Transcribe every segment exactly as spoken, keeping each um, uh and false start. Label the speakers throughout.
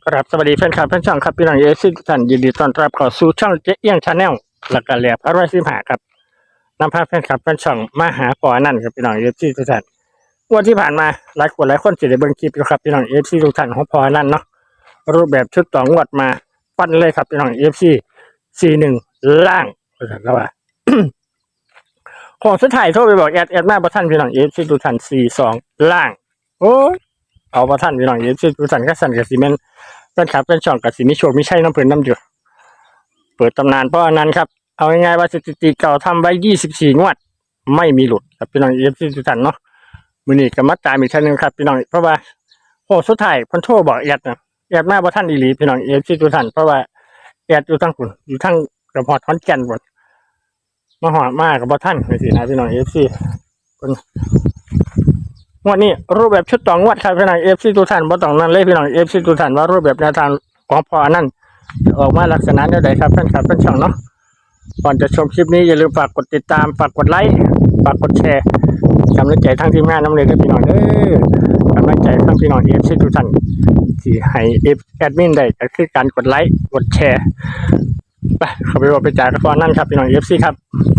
Speaker 1: ครับสวัสดีแฟนคลับแฟนช่องครับพี่น้องเอฟซีทุกท่านยินดีต้อนรับเข้าสู่ช่องเจ๊เอี้ยงชาแนลหลักการแหลบอร่อยสิบหาครับนำพาแฟนคลับแฟนช่องมาหาปอนั่นครับพี่น้องเอฟซีทุกท่านวันที่ผ่านมาหลายคนหลายคนสิได้เบิ่งคลิปอยู่ครับพี่น้องเอฟซีทุกท่านของปอนั่นเนาะรูปแบบชุดต่องวดมาปั้นเลยครับพี่น้องเอฟซีสี่หนึ่งล่างแล้วว่า ของสุดท้ายโทรไปบอกแอดแอดมาบ่ทันพี่น้องเอฟซีทุกท่านสี่สองล่างโอ้ยเอาบ่ทันพี่น้องเอฟซีทุกท่านก็สั่นก็สิแม่นแฟนคลับแฟนช่องก็สิมีโชคมีชัยนำเพิ่นนำอยู่เปิดตำนานเพราะอันนั้นครับเอาง่ายๆว่าสถิติเก่าทำไว้ยี่สิบสี่งวดไม่มีหลุดครับพี่น้องเอฟซีทุกท่านเนาะมื้อนี้ก็มาตามอีกครั้งนึงครับพี่น้องเพราะว่าโอ้สุดท้ายเพิ่นโทรบอกแอดนะแอดมาบ่ทันอีหลีพี่น้องเอฟซีทุกท่านเพราะว่าแอดอยู่ทางพุ่นอยู่ทางกระพอดขอนแก่นพุ่นมาฮอดมาก็บ่ทันจังซี่นะพี่น้อง เอฟ ซี เพิ่นงวดนี้รูปแบบชุดต่องวดครับพี่น้อง เอฟ ซี ทุกท่านบ่ต้องนั่นเลยพี่น้อง เอฟ ซี ทุกท่านว่ารูปแบบแนวทางของพออันนั้นออกมาลักษณะใดๆครับแฟนคลับแฟนช่องเนาะก่อนจะชมคลิปนี้อย่าลืมฝากกดติดตามฝากกดไลค์ฝากกดแชร์กำลังใจทั้งทีมงานนำเลยเด้อพี่น้องเด้อกำลังใจทั้งพี่น้อง เอฟ ซี ทุกท่านที่ให้ แอดมินได้ก็คือการกดไลค์กดแชร์ไปเข้าไปบอกไปจ่ายกับพออันนั้นครับพี่น้อง เอฟ ซี ครับ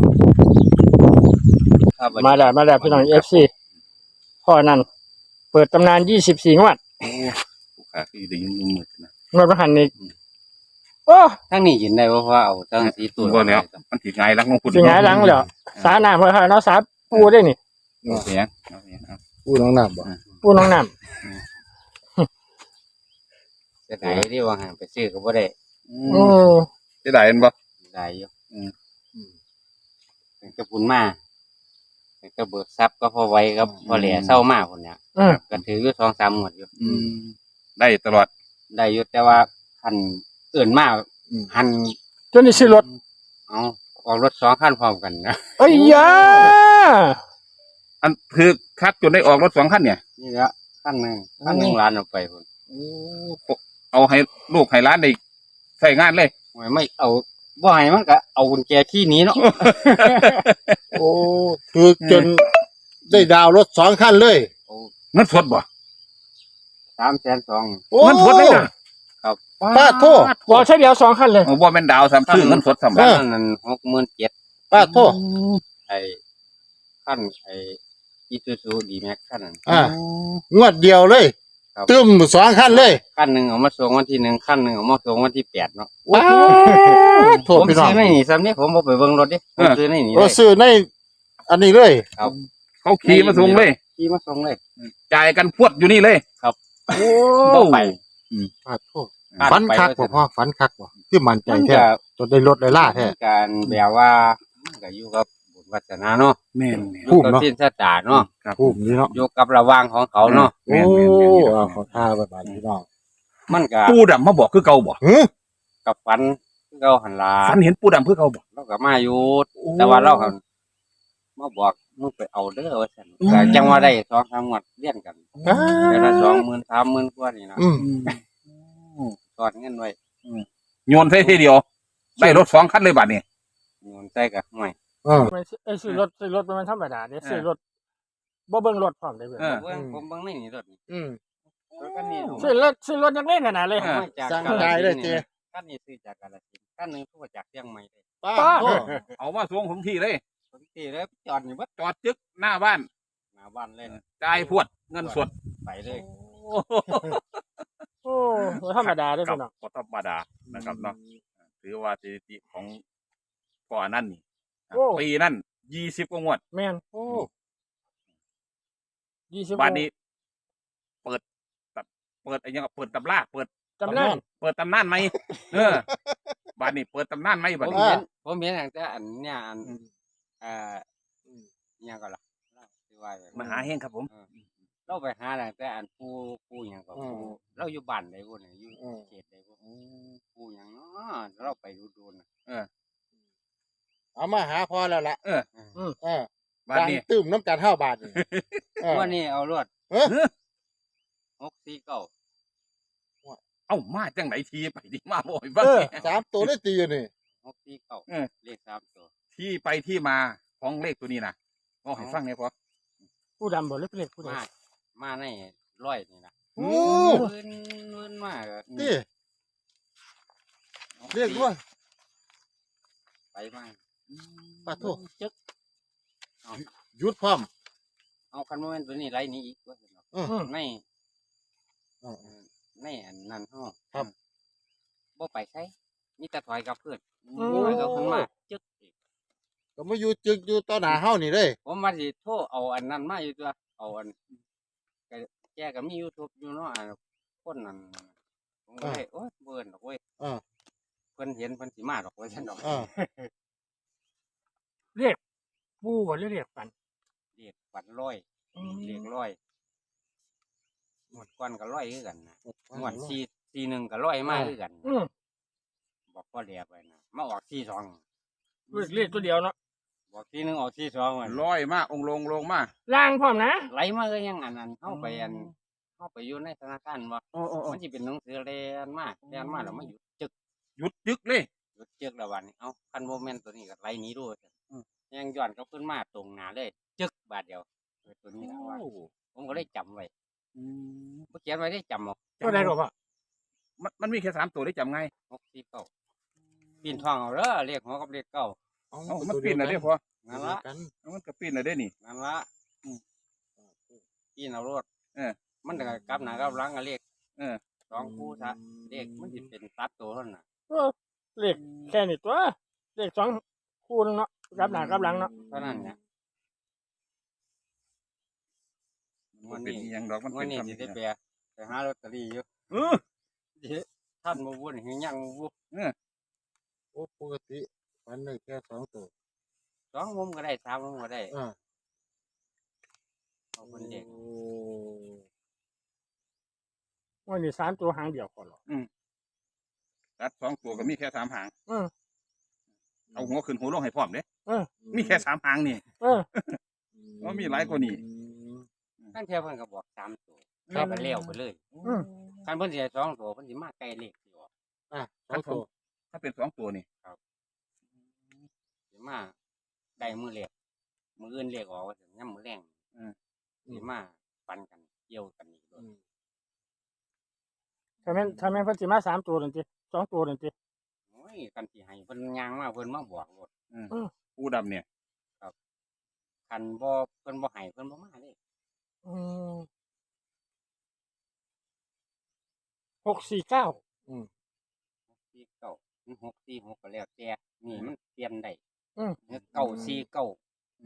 Speaker 1: มาแล้วมาแล้วพี่น้อง เอฟ ซี พ่อนั่นเปิดตำนานยี่สิบสี่งวด
Speaker 2: โอ้ลูกค้าคือได้ยินมืดนะ
Speaker 1: งวดประหันนี่โอ้
Speaker 3: ทั้งนี้ยินได้ว่าว่าเอาทั้งสีตัว
Speaker 2: บ่แล้วมันถีไงหลังของคุณ
Speaker 1: สิงหายหลังเหรอสาหนามเลยค่ะเนาะสาปูได้นี่
Speaker 2: เอาเสียงเอาเสียงเอา
Speaker 4: พูดน้องน้ำบ่
Speaker 1: ปูน้องน้
Speaker 3: จะไหนที่ว่าห่างไปซื้อก็บ่ได้
Speaker 2: อื
Speaker 1: ำอื
Speaker 2: ม
Speaker 1: ม
Speaker 2: จะได้เห็นบ่
Speaker 3: ได้อยู่อืมถึงจะปุ่นมาถึงจะเบิกทรัพย์ก็พอไว้ครับพอแหล่เศร้ามากคนเนี้ย
Speaker 1: อืม
Speaker 3: ก็ถืออยู่สองสามหมวดอยู่
Speaker 2: อืมได้ตลอด
Speaker 3: ได้อยู่แต่ว่าคันเอื่นมากหัน
Speaker 1: จนได้ซื้อรถ
Speaker 3: เอาออกรถสองคันพร้อมกันนะ
Speaker 1: เอ้ยยา
Speaker 2: อันคือคักจนได้ออกรถสองคันเนี่ย
Speaker 3: นี่ละคันหนึ่งคันหนึ่งล้านเอาไปคน
Speaker 2: โอ้เอาให้ลูกให้ร้านได้ใส่งานเลย
Speaker 3: ไม่ไม่เอาบ่ให้มันก็เอากุญแจขี้หนี้เนาะ
Speaker 4: โอ้คือจนได้ดาวรถสองคันเลย
Speaker 2: เงินสดบ่
Speaker 3: สามแสนสอง
Speaker 4: โอ้
Speaker 2: เงินสดเลยนะ
Speaker 4: ป้าโทษ
Speaker 1: บอกใช้เดียวสองคันเลย
Speaker 2: โอ้บ่แม่นดาวซ้ำซื้อเงินสดซ้ำ
Speaker 4: เอ
Speaker 3: คั
Speaker 4: อ
Speaker 3: นนั้นหกหมื่นเจ็ด
Speaker 4: ป้าโทษ
Speaker 3: ไอ้ขั้นไอ้อีซูซูดีแม็กขั้นนั้น
Speaker 4: อ่า งวดเดียวเลย
Speaker 3: ครับ
Speaker 4: ตึมสองคันเลย
Speaker 3: ขั้นหนึ่งเอามาส่งวันที่หนึ่งขั้นหนึ่งเอามาส่งวันที่แปดเนาะ
Speaker 4: ป้าโทษ
Speaker 3: ผม
Speaker 4: พี่น้อง
Speaker 3: ซื้อในนี่ซ้ำนี่ผมบอกไปเบิ่งรถดิผมซื้อในนี่
Speaker 4: โอ้
Speaker 3: เลย
Speaker 4: ซื้อในอันนี้เลย
Speaker 3: ครับ
Speaker 2: เขาขี่มาส่งเลย
Speaker 3: ขี่มาส่งเลย
Speaker 2: จ่ายกันพวดอยู่นี่เลย
Speaker 1: โอ้
Speaker 3: บ่ไป
Speaker 4: ป้าโทษฝันคักบ่พ่อฝันคักบ่คือมั่นใจ
Speaker 3: มัน
Speaker 4: แท้
Speaker 3: ก็
Speaker 4: จนได้รถได้ล่าแท้
Speaker 3: การแบบว่ามันก็อยู่กับบุญวัฒนาเนาะ
Speaker 2: แม่น
Speaker 3: อยู่กับสิ้นสตาเนาะ
Speaker 2: ครับ
Speaker 4: ภูมินี่เนาะ
Speaker 3: อยู่กับระหว่างของเขาเนาะ
Speaker 4: โอ้เอาขอท่าไว้บาดพี่น้อง
Speaker 3: มันก็
Speaker 2: ปูดำมาบอกคือเก่าบ่
Speaker 4: หือ
Speaker 3: กับฝันคือเขาหันลา
Speaker 2: ฝันเห็นปูดำคือเก่าบ่
Speaker 3: เราก็มาอยู่แต่ว่าเราก็มาบอกมึงไปเอาเด้อว่าซั่นก็จังว่าได้สองสามงวดเรียนกัน
Speaker 4: อ่า
Speaker 3: เดือนละสองหมื่นสามหมื่นกว่านี่นะ
Speaker 4: อืม
Speaker 3: ตอนเงินไว้
Speaker 2: โยนใส่ทีเดียวได้รถสองคันเลยบัดนี้
Speaker 3: เงินใส่กับห่วย
Speaker 4: เออ
Speaker 1: ไอ้ซื้อรถซื้อรถมันธรรมดาเนี่ยซื้อรถบ่เบิ่งรถพร้อมได้เบิ่ง
Speaker 2: เออ
Speaker 3: เบิ่งผมเบิ่งในนี่รถนี่
Speaker 4: อืม
Speaker 3: รถคันนี้
Speaker 1: ซื้อรถซื้อรถยังเล่นขนาดเลย
Speaker 2: เออ
Speaker 3: มาจาก
Speaker 4: สั่ง
Speaker 3: กาฬ
Speaker 4: ได้เลย
Speaker 3: สินธุ์
Speaker 4: เจ๊
Speaker 3: นี่คันนี้ซื้อจากกาฬสินธุ์คันหนึงซื้อมาจากเชียงใหม่เลย
Speaker 4: ป้า
Speaker 1: ป้า
Speaker 4: โทษ
Speaker 2: เอามาส่งผมที่เลย
Speaker 3: ผมตีเลยจอดนี่เบิด
Speaker 2: จอดจึกหน้าบ้าน
Speaker 3: หน้าบ้านเลย
Speaker 2: จ่ายพวดเงินสด
Speaker 3: ไปเลย
Speaker 1: โอ้บ่ธรรมดาเด้อพี่น้อง
Speaker 2: ก็ธรรมดานะครับเนาะถือว่าสถิติของก่อนนั่นนี่ปีนั่นยี่สิบกว่างวด
Speaker 1: แม่นโอ้ยี่สิบ
Speaker 2: บ้านนี้ เปิดแบบเปิดอะไรเงี้ยเปิดตำราเปิด
Speaker 1: จำได้
Speaker 2: เปิดตำนานไหมเออบ้านนี้เปิดตำนานไหม
Speaker 3: ผ
Speaker 2: บ้าน
Speaker 3: ม
Speaker 2: นี้
Speaker 3: เห็นผมเห็นตั้งแต่อันเนี้ยอันเอ่อเนี่ยก็ล่ะที่ว่าอย่าง
Speaker 2: มหาเฮงครับผม
Speaker 3: เออเราไปหาตั้งแต่อันผู้ผู้หยังก็ผู้เราอยู่บ้านใดบ่เนี่ยอยู่เขตใดบ่ผู้หยังเนาะเราไปดูดูน่ะ
Speaker 4: เอามาหาพอแล้วล่ะ
Speaker 2: เออ
Speaker 4: เออ
Speaker 2: บ้าน
Speaker 4: ดัง
Speaker 2: นี้
Speaker 4: ตึมน้ำกันห้าบาทนี่เออ
Speaker 3: วันนี้เอารวด
Speaker 4: เออ
Speaker 3: หกสี่เก้า
Speaker 2: เอ้ามาจังไหนทีไปที่มาบ่อยบ้าง
Speaker 4: เออสามตัวได้ตีอยู่นี่
Speaker 3: หกสี่เก้า
Speaker 2: เออ
Speaker 3: เลขสามตัว
Speaker 2: ที่ไปที่มาของเลขตัวนี้นะก็ให้ฟังเนี่ยพอ
Speaker 1: ผู้ดำบ่หรือเป็นเลขผู้ใด
Speaker 3: มามาในร้อยนี่นะ
Speaker 4: โอ้
Speaker 3: เงินเงินมากอะ
Speaker 4: นี่เรียกว่า
Speaker 3: ไปมาก
Speaker 4: ปะโถ
Speaker 3: จึ๊ก
Speaker 4: หยุดพร้อม
Speaker 3: เอาคันโมเมนต์ตัวนี้ไรนี้อีกว่าซั่นเนาะ
Speaker 4: อืม
Speaker 3: ใน
Speaker 4: อ๋อ
Speaker 3: ในอันนั้นห้อง
Speaker 4: ครับ
Speaker 3: บ่ไปใช้มีแต่ถอยกับเพื่อน
Speaker 1: อืม
Speaker 3: ถอยกับเพื่อนมาจึ๊กอีก
Speaker 4: ก็มาอยู่จึกอยู่ต่อหน้าเฮานี่เลย
Speaker 3: ผมมาสิโทรเอาอันนั้นมาอยู่ตัวเอาอันก็แกก็มี YouTube อยู่เนาะอันคนนั้นผมก็เลยโอ๊ยเบิ่นดอกเว้ย
Speaker 4: อ่า
Speaker 3: เพิ่นเห็นเพิ่นสิมาดอกว่าซั่นดอก
Speaker 4: อ่า
Speaker 1: เรียกปูบ่หรือเรียกฝัน
Speaker 3: เรียกฝันร้อย
Speaker 1: อืม
Speaker 3: เรียกร้อยหมดก่อนก็ร้อยคือกันนะหมวดสี่สี่หนึ่งก็ร้อยมาคือกัน
Speaker 1: อืม
Speaker 3: บอกพ่อเรียกไปนะมาออกสี่สอง
Speaker 1: เรียกเรียกตัวเดียวเนาะ
Speaker 3: บอกสี่หนึ่งออกสี่สองมัน
Speaker 2: ร้อยมาองค์ลงลงมา
Speaker 1: ล่างพร้อมนะ
Speaker 3: ไหลมาก็ยังอันนั้นเข้าไปอันเข้าไปอยู่ในธนาคารว่า
Speaker 2: โอ้โอ้โอ้
Speaker 3: มันจะเป็นหนังสือเรียนมาเรียนมาแล้วมาหยุดจึก
Speaker 2: หยุดยึกเลย
Speaker 3: หยุดจึกแล้ววันนี้เอาคันโมเมนต์ตัวนี้ก็ไหลหนี้ด้วยยังย้อนก็ขึ้นมาตรงหน้าเลย จึกบาทเดียวเออตัวนี้นะว่าผมก็ได้จำไว้
Speaker 2: อืม
Speaker 3: เมื่อเขียนไว้ได้จำเอา
Speaker 1: ตัวใดก็พ่อ
Speaker 2: มันมันมีแค่สามตัวได้จำไง
Speaker 3: หกสี่เก้าปีนทองเอาเด้อเรียกหัวกับเรียกเก้า
Speaker 4: เอา
Speaker 2: เอ้ามันปีนอะไรได้พอ
Speaker 3: นั่นละ
Speaker 4: กัน
Speaker 2: มันก็ปีนอะไรได้นี่
Speaker 3: นั่นละปีนเอารถ
Speaker 2: เออ
Speaker 3: มันก็กลับหน้ากลับหลังก็เรียก
Speaker 2: เออ
Speaker 3: สองคู่ซะเรียกมันสิเป็นตัดตัวเท่านั้นน่ะ
Speaker 1: เออเรียกแค่นี้ตัวเรียกสองคู่นึงเนาะกลับหน้ากลับหลังเนาะ
Speaker 3: เท่านั้นเนี่ย
Speaker 2: มันเป็นอิหยังดอกมัน
Speaker 3: วั
Speaker 2: เป็น น
Speaker 3: นี้
Speaker 2: คำ
Speaker 3: สิ
Speaker 2: นี้
Speaker 3: ได้แปลไปหาลอตเตอรี่อยู่
Speaker 2: เออ
Speaker 3: สิท่านบ่วุ่นหรือยังบ่วุ่น
Speaker 4: โอ้ปกติวันหนึงแค่สองตัว
Speaker 3: สองมุมก็ได้สามมุมก็ได้
Speaker 4: อ่า
Speaker 3: เอาคนเด็ก
Speaker 4: โอ้
Speaker 1: วันนี้สามตัวหางเดียวก่อนหรอ
Speaker 2: ตัดสองตัวก็มีแค่สามหาง
Speaker 1: เออ
Speaker 2: เอาหัวขึ้นหัวลงให้พร้อมเด้
Speaker 1: เออ
Speaker 2: มีแค่สามหางนี่
Speaker 1: เออ
Speaker 2: ว่ามีหลายกว่านี้
Speaker 3: ตั้งแต่เพิ่นก็บอกสามตัวแล้วก็เลี้ยวไปเลย
Speaker 1: อืม
Speaker 3: คันเพิ่นสิให้สองตัวเพิ่นสิมาใกล้เลขสิออก
Speaker 4: อ่ะสองตัว
Speaker 2: ถ้าเป็นสองตัวนี่
Speaker 3: สิมาได้มือเลขมืออื่นเลขออกว่าสิยามมื้อแรงสิมาปันกันเกี่ยวกันอีกด้วย
Speaker 4: อืม
Speaker 1: ถ้าแม่นถ้าแม่นเพิ่นสิมาสามตัวนั่นติสองตัวนั่นติ
Speaker 3: โอ้ยกันสิให้เพิ่นย่างมาเพิ่นมาบอกรถ
Speaker 2: ปูดำเนี่ย
Speaker 3: คันบ่เพิ่นบ่ให้เพิ่นบ่มาเลย
Speaker 1: อืมหกสี่เก้า
Speaker 3: สี่เก้าหกสี่หกก็แล้วแต่นี่มันเปลี่ยนได้
Speaker 1: อืม
Speaker 3: เก้าสี่เก้า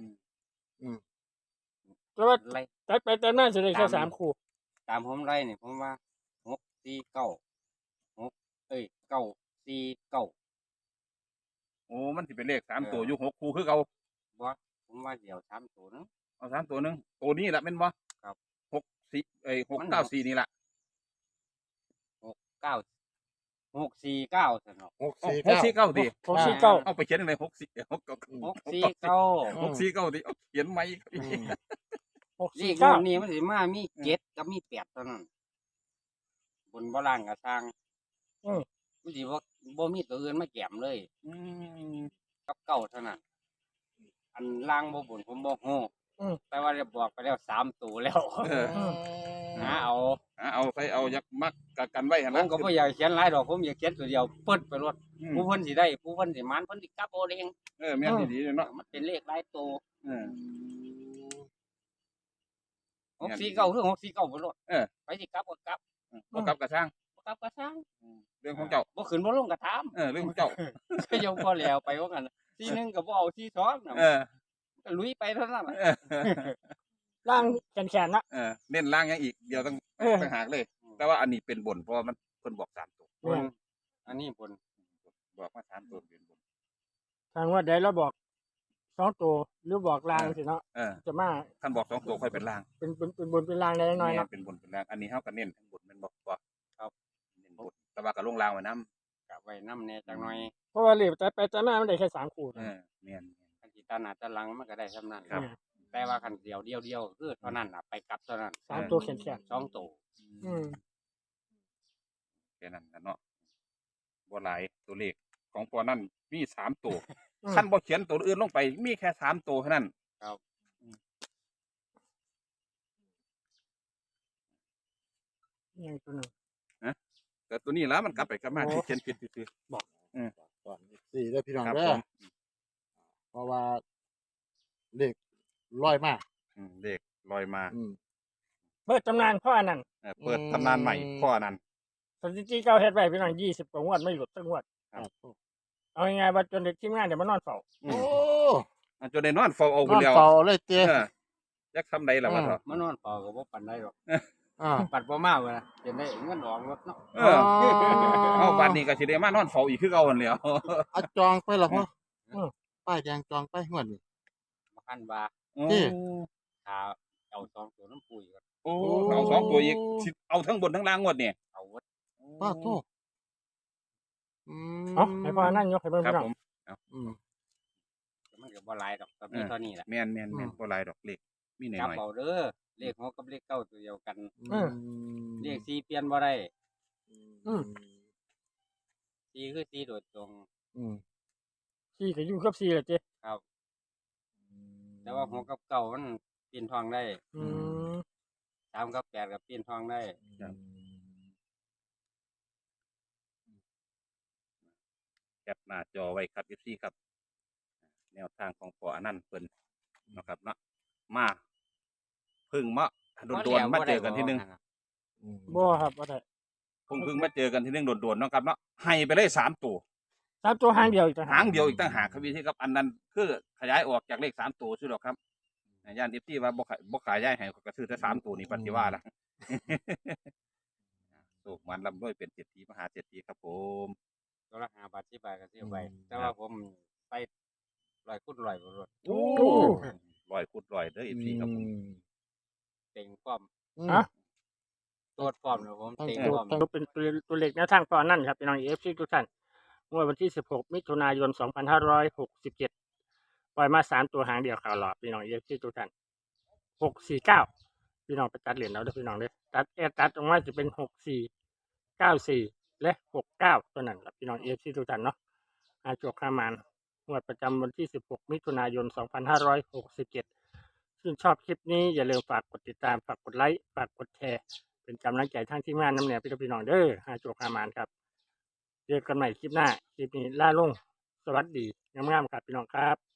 Speaker 1: แต่ว่า
Speaker 3: ไล่
Speaker 1: ตัดไปแต่น่าจะได้แค่สามคู่
Speaker 3: ตามผมไล่นี่ผมว่าหกสี่เก้าหกเอ้ยเก้าสี่เก้า
Speaker 2: โอ้มันสิเป็นเลขสามตัวอยู่หกคู่คือเอา
Speaker 3: บ่ผมว่าเดี๋ยวสามตัวนึง
Speaker 2: เอาสามตัวหนึงตัวนี้แหละเป็นบ่
Speaker 3: ครับ
Speaker 2: หกสี่เอ้ยหก
Speaker 3: มัน
Speaker 2: เก้าสี่นี่แหละ
Speaker 3: เก้าหกสี่เก้าสนอก
Speaker 4: หก
Speaker 2: เอา
Speaker 4: สี่
Speaker 2: หกสี่
Speaker 4: เก้า
Speaker 2: เก้าดิ
Speaker 1: หกสี่เก้า
Speaker 2: เอาไปเขียนอะไรหกสี่หกเก้า
Speaker 3: หกสี่เก้า
Speaker 2: หกสี่เก้าดิเอาเขียนไหม
Speaker 4: อืม
Speaker 1: หก
Speaker 3: เล
Speaker 1: สี่
Speaker 3: ข
Speaker 1: เก้า
Speaker 3: นี้มันสิมามีเจ็ดกับมีแปดเท่านั้นบนบ่ล่างกับสร้างมันสิบ่บ่มีตัวอื่นมาแก้มเลย
Speaker 2: อืม
Speaker 3: กับเก้าเท่านั้น อันล่างบ่บนผมบ่ฮู้แต่ว่าได้บอกไปแล้วสามตัวแล้ว
Speaker 2: เออ
Speaker 3: หาเอา
Speaker 2: อ่ะเอาใส่เอายักมักกะกันไว้หั่น
Speaker 3: ผ
Speaker 2: นะ
Speaker 3: มก็บ่อยากเขียนหลายดอกผมอยากเขียนตัวเดียวเปิดไปรถ
Speaker 2: อืม
Speaker 3: ผู้เพิ่นสิได้ผู้เพิ่นสิมานเพิ่นสิกลับเอาเอง
Speaker 2: เออแม่นดีๆเนาะ
Speaker 3: มันเป็นเลขหลายตัว
Speaker 2: เออ
Speaker 3: หกสี่เก้าคือหกสี่เก้าไปรถ
Speaker 2: เออ
Speaker 3: ไปสิกลับก็กลับ
Speaker 2: บ่กลับกระช่าง
Speaker 3: บ่กลับก็ช่าง
Speaker 2: เรื่องของเจ้า
Speaker 3: บ่ขึ้นบ่ลงก็ถาม
Speaker 2: เออเรื่องของเจ้า
Speaker 3: ก็ยังพอแล้วไปว่ากันทีหนึงก็บ่เอาทีสองน่ะ
Speaker 2: เออ
Speaker 3: ก็ลุยไปเท่านั้นน่ะ
Speaker 2: เออ
Speaker 1: ล่างแขนๆนะ
Speaker 2: เออเน้นล่างยังอีกเดี๋ยวต้อง
Speaker 1: เออ
Speaker 2: ไปหากเลย แต่ว่าอันนี้เป็นบนเพราะว่ามันเพิ่นบอกสามตัว
Speaker 3: บนอันนี้บน
Speaker 2: บอกว่าสามตัวเป็นบน
Speaker 1: ทางว่าใดเราบอกสองตัวหรือบอกล่างสิเนาะ
Speaker 2: เออ
Speaker 1: จะมา
Speaker 2: ท่านบอกสองตัวค่อยเป็นล่าง
Speaker 1: เป็นเป็นเป็นบนเป็นล่างได้น้อย
Speaker 2: แม่
Speaker 1: เนาะ
Speaker 2: เป็นบนเป็นล่างอันนี้เฮาก็เน้นทั้งบนแมันบอกว่าครับเน้นบนแต่ว่าก็ลงล่างไว้นํ
Speaker 3: กะไว้นำแน่จักหน่อย
Speaker 1: เพราะว่าเหลียบแต่ไปแต่มามันได้แค่สามคู่
Speaker 2: เออแม่น
Speaker 3: คันสิตาหน้าตาหลังมันก็ได้เท่านั้น
Speaker 2: ครับ
Speaker 3: แต่ว่าคันเดียวเดียวเดียวคือเท่านั้นน่ะไปกลับเท่านั้น
Speaker 1: สามตัวแขน
Speaker 3: สองตัว
Speaker 1: ๆอืม
Speaker 2: แค่นั้นนะเนาะบ่หลายตัวเลขของปอนั่นมีสามตัว
Speaker 1: อืม
Speaker 2: ท่านบ่เขียนตัวอื่นลงไป มีแค่สามตัวเท่านั้น
Speaker 1: ยังตัวหนึ่ง
Speaker 2: แต่ตัวนี้แล้วมันกลับไปกลับมา
Speaker 1: โอ้
Speaker 2: ที่เขียนผิดซื่อ
Speaker 4: ก่อนสี่ได้อพี่น้อง
Speaker 2: ครับ
Speaker 4: เด้
Speaker 2: ผ
Speaker 4: อ
Speaker 2: ม
Speaker 4: เพราะว่าเลขร้อยมาก
Speaker 2: อืมเด็กลอยมา
Speaker 4: อืม
Speaker 1: เปิดตำนานพ่ออันนั้น
Speaker 2: เออเปิดตำนานใหม่
Speaker 4: อืม
Speaker 2: ข้อนั้น
Speaker 1: สถิติเก่าเฮ็ดไว้พี่น้องยี่สิบกว่างวดไม่หลุดสักงวด
Speaker 2: ครับ
Speaker 1: เอาง่ายๆว่าจนเด็กทีมงานเดี๋ยวมานอนเฝ้า
Speaker 2: อื
Speaker 4: โอ้
Speaker 2: มอันจนได้นอนเฝ้าเอา
Speaker 4: น
Speaker 2: ไป
Speaker 4: อน
Speaker 2: แล้ว
Speaker 4: เฝ้าเลยเตี้ย
Speaker 2: เออจักทำใดล่ะวะ
Speaker 4: อืม
Speaker 2: เถอะ
Speaker 3: มานอนเฝ้าก็บ่ปานใดหรอก
Speaker 4: อ่า
Speaker 3: ปัดบ่มาเว้ยนะจะได้เงินออกรถเนาะ
Speaker 2: เออเอาบัดนี้ก็สิได้มานอนเฝ้าอีกคือเก่าหั่นแหล้ว
Speaker 4: เอาจองไปแล้วพ่อ
Speaker 1: อืม
Speaker 4: ป้ายแดงจองไปงวดนี้
Speaker 3: มาคันว่า
Speaker 2: โอ้
Speaker 4: นี่
Speaker 3: ถ้าเอาสองตัวน้ำปุ๋ยก็
Speaker 2: โอ้เอาสองตัวอีกสิเอาทั้งบนทั้งล่างงวดนี่
Speaker 3: เอาวัด
Speaker 4: ป้าโทษอืม
Speaker 1: เอ้าให้พ่ออันนั้นยกให้เบิ่ง
Speaker 2: ครับ
Speaker 1: พี่น้อง
Speaker 2: ผม
Speaker 4: อืม
Speaker 3: มันก็บ่หลายดอกก็มีเท่านี้แหละ
Speaker 2: แม่นแม่นแม่น
Speaker 4: อืม
Speaker 2: บ่หลายดอกเล็กมีหน่
Speaker 3: จับ
Speaker 2: อย
Speaker 3: เอาเด้อเลขหกกับเลขเก้าตัวเดียวกัน
Speaker 1: อืม
Speaker 3: เลขสี่เปลี่ยนบ่ได้
Speaker 1: อืม
Speaker 3: สี่คือสี่โดยตรง
Speaker 4: อืม
Speaker 1: สี่ก็อยู่กับสี่แหละเจ๊
Speaker 3: ครับ แต่ว่าหกกับเก้ามันเปลี่ยนทองได้
Speaker 1: อืม
Speaker 3: สามกับแปดก็เปลี่ยนทองได้
Speaker 2: ๆแคปหน้าจอไว้ครับ เอฟ ซี ครับ แนวทางของพ่ออนันต์เพิ่นเนาะครับเนาะมาเพึ่งมาโดนๆมาเจอกันทีนึง
Speaker 4: อืม
Speaker 1: บ่ครับบ่ได้
Speaker 2: เพิ่งเพิ่งมาเจอกันทีนึงโดนๆเนาะครับเนาะให้ไปเลยสามตัว
Speaker 1: สามตัวหางเดียวอีกต่างหา
Speaker 2: หาก งเดียวอีกตั้งหากครับพี่ที่ครับอันนั้นคือขยายออกจากเลขสามตัวใช่หรอกครับย่านเอฟซีว่าบ่ขายบ่ขายย้ายให้ก็ซื้อแต่สามตัวนี่ปฏิว่าล่ะ สุกมันลำด้วยเป็นเศรษฐีมหาเศรษฐีครับผม
Speaker 3: ตัวละห้าบาทสิบบาทก็ซื้อไปแต่ว่าผมไปร้อยคูณร้อยบ่รถ
Speaker 2: โอ้ลอยคุดลอยเด้อเอฟซีครับผม
Speaker 3: เต็งพร้อม
Speaker 4: อืม
Speaker 1: ฮะ
Speaker 3: ตัวพร้อมเนาะผมเต็ง
Speaker 1: ตัว
Speaker 3: พร้อม
Speaker 1: ตัวเป็นตัวตัวเลขแนวทางพ่ออันนั้นครับพี่น้อง เอฟ ซี ทุกท่านงวดวันที่สิบหกมิถุนายนสองพันห้าร้อยหกสิบเจ็ดปล่อยมาสามตัวหางเดียวข่าวหลอดพี่น้อง เอฟ ซี ทุกท่านหกสี่เก้าพี่น้องไปตัดเหรียญเอาเด้อพี่น้องเด้อตัดแอร์ตัดออกมาจะเป็นหกสี่เก้าสี่และหกเก้าตัวนั้นครับพี่น้อง เอฟ ซี ทุกท่านเนาะอาจวกขามานงวดประจำวันที่สิบหกมิถุนายนสองพันห้าร้อยหกสิบเจ็ดซึ่งชอบคลิปนี้อย่าลืมฝากกดติดตามฝากกดไลค์ฝากกดแชร์เป็นกำลังใจทั้งทีมงานน้ำเหนียวพี่น้องเด้ออาจวกขามานครับเจอกันใหม่คลิปหน้าคลิปนี้ล่าลงสวัสดีงามๆครับพี่น้องครับ